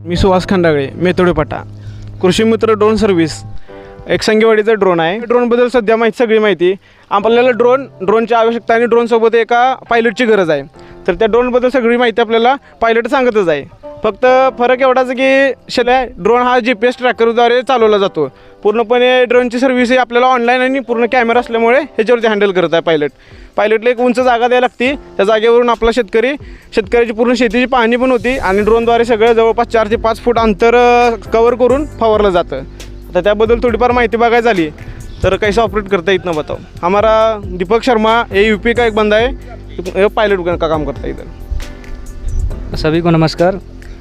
मी सुहास खंडागळे, मेथोडेपाटा. कृषी मित्र drone service एक संगेवाडीचा ड्रोन आहे. ड्रोनबद्दल सध्या सगळी माहिती. आपल्याला ड्रोनची आवश्यकता आणि ड्रोनसोबत एका पायलटची गरज आहे. तर त्या ड्रोनबद्दल सगळी माहिती आपल्याला पायलट सांगतच आहे. फक्त फरक एवढाच की ड्रोन हा GPS ट्रॅकरद्वारे चालवला जातो. पूर्णपणे ड्रोनची सर्व्हिस ही आपल्याला ऑनलाईन आणि पूर्ण कॅमेरा असल्यामुळे ह्याच्यावरती हँडल करत आहे पायलटला एक उंच जागा द्यायला लागते. त्या जागेवरून आपला शेतकऱ्याची पूर्ण शेतीची पाहणी पण होती आणि ड्रोनद्वारे सगळं जवळपास 4 ते 5 फूट अंतर कवर करून फवारलं जातं. तर त्याबद्दल थोडीफार माहिती बघायची झाली तर कैसे ऑपरेट करता इतना बताओ. हमारा दीपक शर्मा ये UP का एक बंदा है, पायलट का काम करता है इधर. सभी को नमस्कार.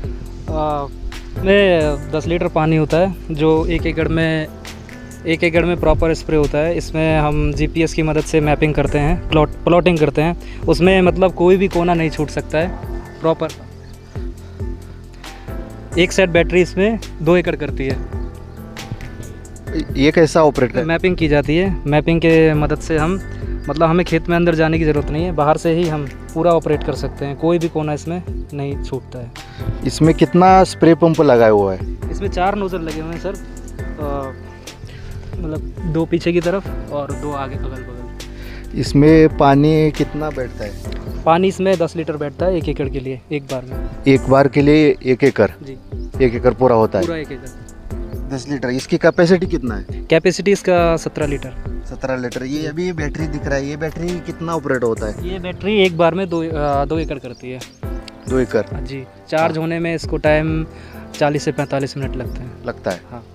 में 10 लीटर पानी होता है जो एक एकड़ में प्रॉपर स्प्रे होता है. इसमें हम GPS की मदद से मैपिंग करते हैं, प्लॉटिंग करते हैं. उसमें मतलब कोई भी कोना नहीं छूट सकता है. प्रॉपर एक सेट बैटरी इसमें 2 एकड़ करती है. ये कैसा ऑपरेट करता है? मैपिंग की जाती है. मैपिंग के मदद से हम मतलब हमें खेत में अंदर जाने की ज़रूरत नहीं है, बाहर से ही हम पूरा ऑपरेट कर सकते हैं. कोई भी कोना इसमें नहीं छूटता है. इसमें कितना स्प्रे पंप लगाया हुआ है? इसमें 4 नोजल लगे हुए हैं सर. मतलब 2 पीछे की तरफ और 2 आगे अगल बगल. इसमें पानी कितना बैठता है? पानी इसमें 10 लीटर बैठता है 1 एकड़ के लिए एक बार में. एक बार के लिए 1 एकड़? जी, 1 एकड़ पूरा होता पूरा है. 1 एकड़. 10 लीटर. इसकी कैपेसिटी कितना है? कैपेसिटी इसका 17 लीटर. 17 लीटर. ये अभी बैटरी दिख रहा है, ये बैटरी कितना ऑपरेट होता है? ये बैटरी एक बार में 2 एकड़ करती है. 2 एकड़ जी. चार्ज होने में इसको टाइम 40 से 45 मिनट लगता है. हाँ.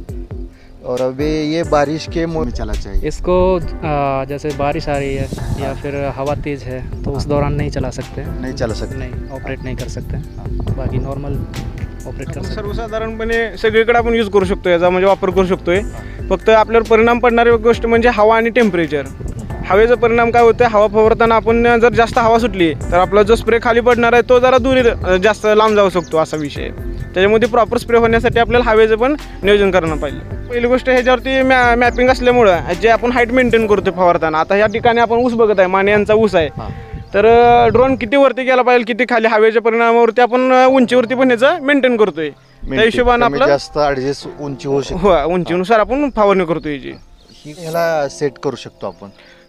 और अभी ये बारिश के मौसम में चला चाहिए. इसको जैसे बारिश आ रही है या फिर हवा तेज़ है तो उस दौरान नहीं चला सकते. नहीं चला सकते. नहीं ऑपरेट नहीं कर सकते. बाकी नॉर्मल ऑपरेट कर सकते. सर्वसाधारणपणे सगळीकडे आपण यूज करू शकतो, याचा म्हणजे वापर करू शकतोय. फक्त आपल्यावर परिणाम पडणारी गोष्ट म्हणजे हवा आणि टेम्परेचर. हवेचा परिणाम काय होतं, हवा फवारताना आपण जर जास्त हवा सुटली तर आपला जो स्प्रे खाली पडणार आहे तो जरा दूर जास्त लांब जाऊ शकतो, असा विषय. त्याच्यामध्ये प्रॉपर स्प्रे होण्यासाठी आपल्याला हवेचं पण नियोजन करणं पाहिजे. पहिली गोष्ट ह्याच्यावरती मॅपिंग असल्यामुळं जे आपण हाईट मेंटेन करतो फवारताना. आता ह्या ठिकाणी आपण ऊस बघत आहे, माने यांचा ऊस आहे. तर ड्रोन किती वरती गेला पाहिजे, किती खाली, हवेच्या परिणामावरती आपण उंचीवरती पण ह्याचं मेंटेन करतोय. त्या हिशोबाने आपलं जास्त ऍडजस्ट उंची होऊ शकते. हो, उंचीनुसार आपण फवारणी करतोय. ह्याला सेट करू शकतो आपण.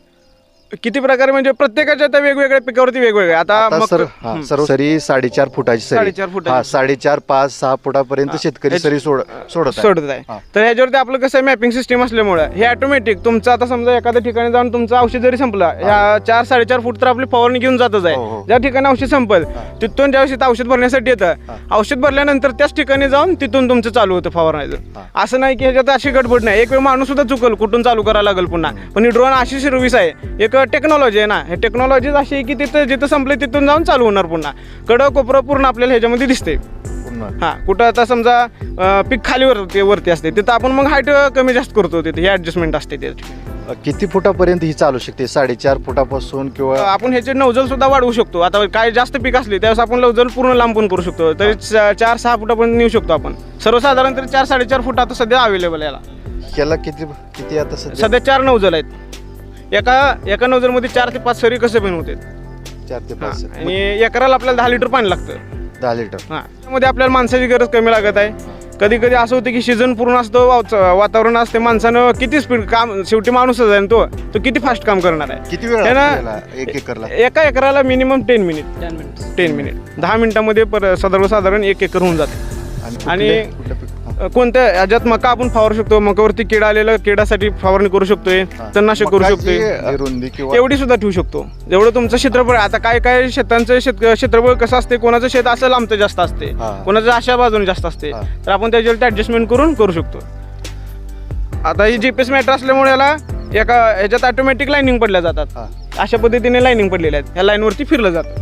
किती प्रकारे म्हणजे प्रत्येकाच्या त्या वेगवेगळ्या पिकावरती वेगवेगळे. आता सरी 4.5 फुटाची सरी. 4.5 फुटाची. 4.5, 5, 6 फुटापर्यंत शेतकरी सरी सोडत आहे. तर ह्याच्यावरती आपलं कसं मॅपिंग सिस्टीम असल्यामुळे हे ऑटोमॅटिक तुमचं आता समजा एखाद्या ठिकाणी जाऊन तुमचं औषध जरी संपलं, ह्या 4-4.5 फूट तर आपली फवारणी घेऊन जातच आहे. ज्या ठिकाणी औषध संपल तिथून ज्यावेळेस औषध भरण्यासाठी येतं, औषध भरल्यानंतर त्याच ठिकाणी जाऊन तिथून तुमचं चालू होतं फवारण्याचं. असं नाही की ह्याच्यात अशी गडबड नाही. एक वेळ माणूस सुद्धा चुकल, कुठून चालू करायला लागेल पुन्हा. पण ही ड्रोन अशी सर्व्हिस आहे, एक टेक्नॉलॉजी आहे ना. हे टेक्नॉलॉजी अशी आहे की तिथं जिथं संपले तिथून जाऊन चालू होणार पुन्हा. कडं कोपरं पूर्ण आपल्याला ह्याच्यामध्ये दिसते. हां, कुठं आता समजा पीक खाली वरती असते तिथं आपण मग हाईट कमी जास्त करतो, तिथे हे ॲडजस्टमेंट असते. त्याची किती फुटापर्यंत ही चालू शकते? 4.5 फुटापासून किंवा आपण ह्याचे नौजल सुद्धा वाढवू शकतो. आता काय जास्त पीक असले त्यावेळेस आपण नौजल पूर्ण लांब पण करू शकतो. तरी 4-6 फुटापर्यंत नेऊ शकतो आपण. सर्वसाधारण तरी 4-4.5 फूट आता सध्या अवेलेबल आहे. याला किती आता सध्या 4 नौजल आहेत. एका नौजलमध्ये 4 ते 5 सरी कसे पण होते. 4 ते 5. आणि एकराला आपल्याला 10 लिटर पाणी लागतं. 10 लिटर. हां, त्यामध्ये आपल्याला माणसाची गरज कमी लागत आहे. कधी कधी असं होतं की सीझन पूर्ण असतो, वातावरण असते, माणसानं किती स्पीड काम, शेवटी माणूसच आहे तो किती फास्ट काम करणार आहे. किती वेळ लागतो 1 एकरला? एका एकराला मिनिमम 10 मिनिट 10 मिनिटामध्ये सर्वसाधारण 1 एकर होऊन जाते. आणि कोणत्या याच्यात मका आपण फवारू शकतो, मकावरती किडा आलेला, किडासाठी फवारणी करू शकतोय, तणनाशक करू शकतोय. रुंदी किंवा एवढी सुद्धा ठेवू शकतो जेवढं तुमचं क्षेत्रफळ. आता काय शेतांचं क्षेत्रफळ कसं असते, कोणाचं शेत असं लांबतं जास्त असते, कोणाचं अशा बाजूने जास्त असते. तर आपण त्याच्यावरती ॲडजस्टमेंट करून करू शकतो. आता ही GPS मॅटर असल्यामुळे याला ह्याच्यात ऑटोमॅटिक लाईनिंग पडल्या जातात. अशा पद्धतीने लाईनिंग पडलेल्या आहेत. ह्या लाईनवरती फिरलं जातं.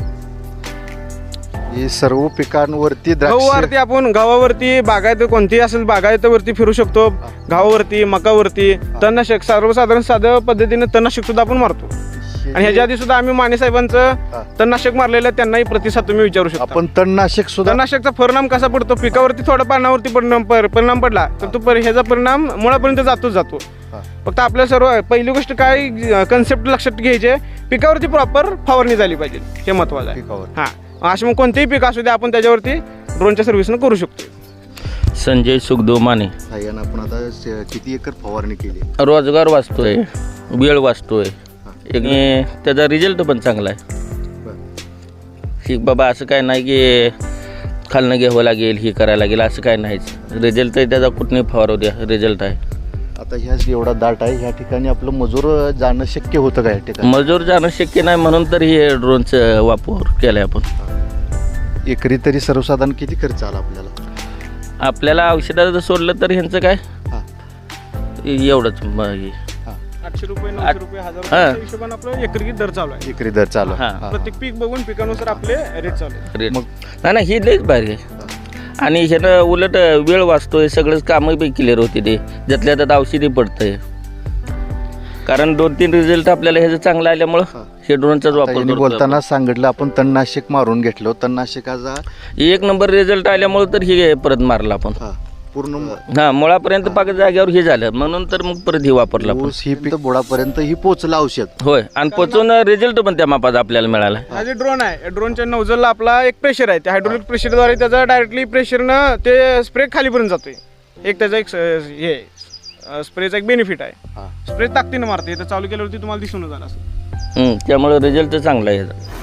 ही सर्व पिकांवरती गव्हावरती आपण गव्हावरती बागायत कोणतीही असेल बागायतवरती फिरू शकतो. गव्हावरती, मकावरती तणनाशक सर्वसाधारण साध्या पद्धतीने तणनाशक सुद्धा आपण मारतो. आणि ह्याच्या आधी सुद्धा आम्ही माने साहेबांचं तणनाशक मारलेलं आहे, त्यांनाही प्रतिसाद तुम्ही विचारू शकता. आपण तणनाशकचा परिणाम कसा पडतो, पिकावरती थोडा पानावरती परिणाम पडला तर तो ह्याचा परिणाम मुळापर्यंत जातो. फक्त आपल्या सर्व पहिली गोष्ट काय कन्सेप्ट लक्षात घ्यायचे, पिकावरती प्रॉपर फवारणी झाली पाहिजे, हे महत्वाचं आहे. हां, असे मग कोणतेही पीक असू दे आपण त्याच्यावरती ड्रोनच्या सर्व्हिसनं करू शकतो. संजय सुखदेव माने. साह्यानं आपण आता किती एकर फवारणी केली? रोजगार वाचतोय, वेळ वाचतोय आणि त्याचा रिझल्ट पण चांगला आहे. की बाबा असं काय नाही की खालनं घ्यावं लागेल, ही करायला लागेल, असं काय नाहीच. रिझल्ट आहे त्याचा, कुठनंही फवारू द्या, रिझल्ट आहे. आता ह्या एवढा दाट आहे ह्या ठिकाणी आपलं मजूर जाणं शक्य होतं का या ठिकाणी? मजूर जाणं शक्य नाही म्हणून तर हे ड्रोनचं वापर केलं आहे आपण. एकरी तरी सर्वसाधारण किती खर्च आला आपल्याला? आपल्याला औषधाचं सोडलं तर ह्यांचं काय हां एवढंच 800 रुपये 900 रुपये 1000 हां. रुपये हिशोबाने आपलं एकरी दर चालू आहे. एकरी दर चालू आहे. हां. हां. प्रत्येक पीक बघून पिकानुसार आपले रेट चालू आहे. रेट मग- नाही नाही, ही लईच भारी आहे. आणि ह्यानं उलट वेळ वाचतोय, सगळंच कामं बी क्लिअर होते ते, ज्यातल्या त्यात औषधी पडतंय. कारण 2-3 रिझल्ट आपल्याला ह्याचं चांगलं आल्यामुळं हे ड्रोनचाच आता वापर यांनी करतो बोलताना सांगितलं आपण तणनाशक मारून घेतलं. तणनाशकाचा आपण. एक नंबर रिझल्ट आल्यामुळं तर हे परत मारलं आपण. हा पूर्ण हां, मुळापर्यंत पाक जाग्यावर हे झालं म्हणून तर मग परत हे वापरलं आपण. ऊस ही पीक बुडापर्यंत ही पोचलं औषध. होय, आणि पोचून रिझल्ट पण त्या मापाचा आपल्याला मिळाला. हा जे ड्रोन आहे, ड्रोनच्या नोझलला आपला एक प्रेशर आहे. त्या हायड्रोलिक प्रेशरद्वारे त्याचा डायरेक्टली प्रेशरनं ते स्प्रे खालीपर्यंत जातोय. एक त्याचा एक हे स्प्रेचा एक बेनिफिट आहे. हा. स्प्रे ताकदीनं मारते. तर चालू केल्यावरती तुम्हाला दिसून झालं असं. त्यामुळे रिझल्ट चांगला आहे ह्याचा.